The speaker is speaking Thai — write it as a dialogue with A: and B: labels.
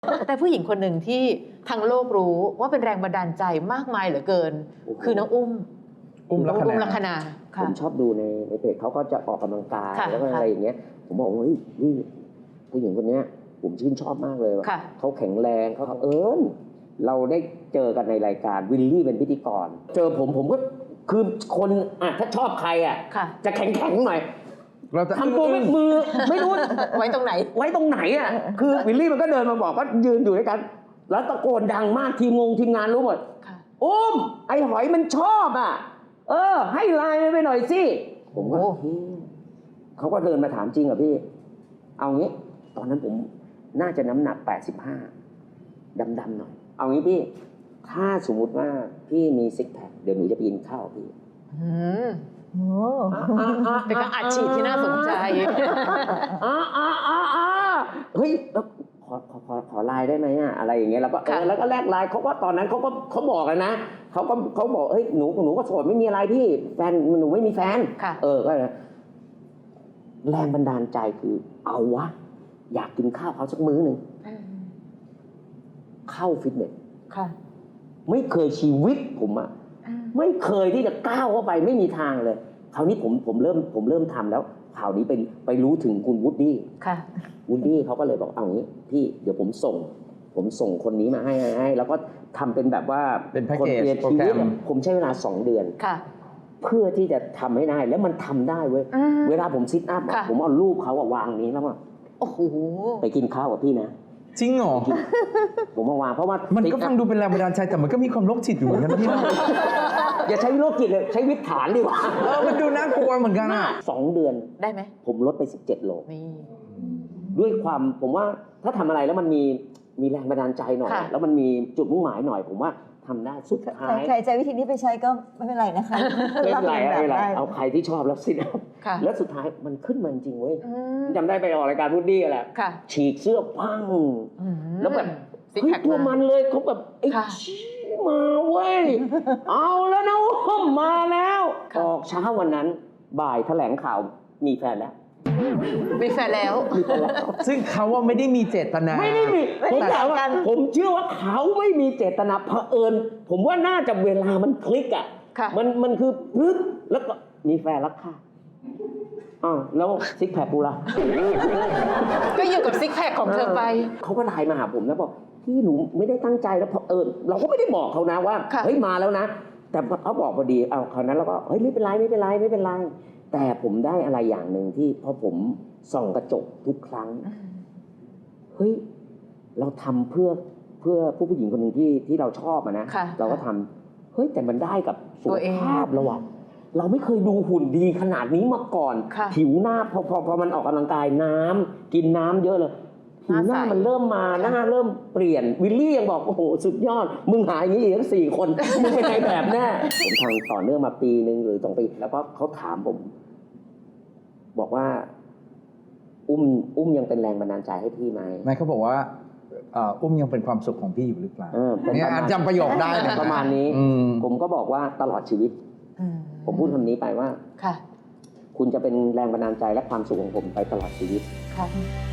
A: แต่ผู้หญิงคนหนึ่งที่ทั้งโลกรู้ว่าเป็นแรงบันดาลใจมากมายเหลือเกิน คือน้องอุ้มลัคนา
B: ผมชอบดูในเพจเขาก็จะออกกำลังกาย
A: ค่ะ
B: แล้วก็อะไรอย่างเงี้ยผมบอกว่าเฮ้ยนี่ผู้หญิงคนเนี้ยผมชื่นชอบมากเลย
A: ค่ะ
B: เขาแข็งแรงเขาเราได้เจอกันในรายการวิลลี่เป็นพิธีกร เจอผมก็คือคนถ้าชอบใคร
A: ค่ะ
B: จะแข็งหน่อย
C: เราจะ
B: ทำตัวมือไม่รู้
A: ไว้ตรงไหน
B: ไว้ตรงไหนคือวิลลี่มันก็เดินมาบอกก็ยืนอยู่ด้วยกัน แล้วตะโกนดังมากทีมงานรู้หมด
A: ค่ะ
B: อุ้มไอ้หอยมันชอบให้ไลน์ไปหน่อยสิผมก็เขาก็เดินมาถามจริงเหรอพี่เอางี้ตอนนั้นผมน่าจะน้ำหนัก85ดำๆหน่อยเอางี้พี่ถ้าสมมุติว่าพี่มีซิกแพคเดี๋ยวหนูจะไปกินข้าวพี่
A: เป็นการอัดฉีดที่น่าสนใจ
B: เฮ้ยขอไลน์ได้ไหมอะไรอย่างเงี้ยแล้วก็แล้วก็แลกไลน์เขาก็ตอนนั้นเขาบอกกันนะเขาบอกเฮ้ยหนูก็โสดไม่มีอะไรพี่แฟนหนูไม่มีแฟนก็แรงบันดาลใจคือเอาวะอยากกินข้าวเขาสักมื้อหนึ่งเข้าฟิตเนสไม่เคยชีวิตผมไม่เคยที่จะก้าวเข้าไปไม่มีทางเลยคราวนี้ผมเริ่มทำแล้วข่าวนี้ไปรู้ถึงคุณวูดดี้วูดดี้เขาก็เลยบอกเอางี้พี่เดี๋ยวผมส่งคนนี้มาให้แล้วก็ทำเป็นแบบว่า
C: เป็นแพ็กเกจโปรแกรม
B: ผมใช้เวลา2 เดือนเพื่อที่จะทำให้ได้แล้วมันทำได้เว้ยเวลาผมซิทอัพผมเอารูปเขาวางนี้แล้ว
A: โอ้โห
B: ไปกินข้าวกับพี่นะ
C: จริงเหรอ
B: ผมมาวางเพราะว่า
C: มันก็ฟังดูเป็นแรงบันดาลใจแต่มันก็มีความโรคจิตอยู่เหมือนกันพี่นะ
B: อย่าใช้โรคจิตเลยใช้วิถฐานดีกว่า
C: มันดูน่ากลัวเหมือนกัน
B: 2 เดือน
A: ได้ไหม
B: ผมลดไป17 โล
A: นี่
B: ด้วยความผมว่าถ้าทำอะไรแล้วมันมีแรงบันดาลใจหน่อยแล้วมันมีจุดมุ่งหมายหน่อยผมว่าทำได้สุดท้าย
D: ใครใจวิธีนี้ไปใช้ก็ไม่เป็นไรนะคะ
B: ไม่เป็นไรเอาใครที่ชอบแล้วสิแล้วสุดท้ายมันขึ้นมาจริงเว้ยจำได้ไปออกรายการพูดดี้แหละฉีกเสื้อพังแล้วแบบตัวมันเลยเขาแบบไอ้มาเว้ยเอาแล้วนะมาแล้วออกเช้าวันนั้นบ่ายแถลงข่าวมีแฟนแล้ว
A: มีแฟนแล้ว
C: ซึ่งเขาว่าไม่ได้มีเจตนา
B: ไม่ได้มีผมเชื่อว่าเขาไม่มีเจตนาเผอิญผมว่าน่าจะเวลามันคลิกมันคือปึ๊บแล้วก็มีแฟนแล้วค่ะแล้วซิกแพคกูล่ะ
A: ก็อยู่กับซิกแพคของเธอไป
B: เขาก็ไลน์มาหาผมแล้วบอกพี่หนูไม่ได้ตั้งใจแล้วเราก็ไม่ได้บอกเขานะว่าเฮ้ยมาแล้วนะแต่เขาบอกพอดีคราวนั้นเราก็เฮ้ยไม่เป็นไรแต่ผมได้อะไรอย่างหนึ่งที่พอผมส่องกระจกทุกครั้งเฮ้ยเราทำเพื่อผู้หญิงคนหนึ่งที่เราชอบนะเราก็ทำเฮ้ยแต่มันได้กับสุขภาพเราไม่เคยดูหุ่นดีขนาดนี้มาก่อนผิวหน้าพอมันออกกำลังกายกินน้ำเยอะเลยผิวหน้ามันเริ่มมาหน้าเริ่มเปลี่ยนวิลลี่ยังบอกโอ้โหสุดยอดมึงหาอย่างนี้อีกทั้ง4 คนมึงเป็นนายแบบแน่ผมทำต่อเนื่องมาปีนึงหรือ2 ปีแล้วก็เขาถามผมบอกว่าอุ้มยังเป็นแรงบันดาลใจให้พี่ไหม
C: ไม่เขาบอกว่าอุ้มยังเป็นความสุขของพี่อยู่หรือเปล่าเนี่ยจำประโยคได้
B: ประมาณนี้ผมก็บอกว่าตลอดชีวิตผมพูดคำนี้ไปว่าคุณจะเป็นแรงบันดาลใจและความสุขของผมไปตลอดชีวิต